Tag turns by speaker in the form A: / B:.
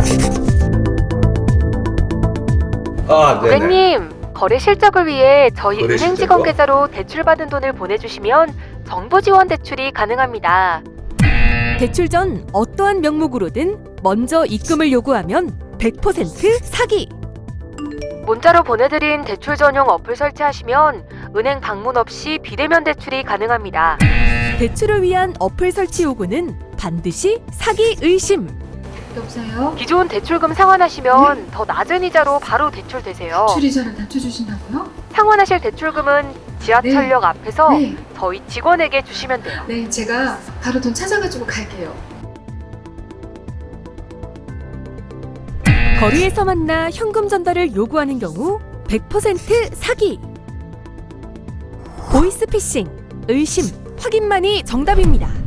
A: 네네.
B: 고객님, 거래 실적을 위해 저희
A: 거래
B: 은행
A: 실적이요?
B: 직원 계좌로 대출받은 돈을 보내주시면 정부 지원 대출이 가능합니다.
C: 대출 전 어떠한 명목으로든 먼저 입금을 요구하면 100% 사기.
B: 문자로 보내드린 대출 전용 어플 설치하시면 은행 방문 없이 비대면 대출이 가능합니다.
C: 대출을 위한 어플 설치 요구는 반드시 사기 의심.
D: 여보세요?
B: 기존 대출금 상환하시면 더 낮은 이자로 바로 대출되세요.
D: 출이자를 낮춰주신다고요?
B: 상환하실 대출금은 지하철역 앞에서
D: 네.
B: 저희 직원에게 주시면 돼요.
D: 네, 제가 바로 돈 찾아가지고 갈게요.
C: 거리에서 만나 현금 전달을 요구하는 경우 100% 사기. 보이스피싱, 의심, 확인만이 정답입니다.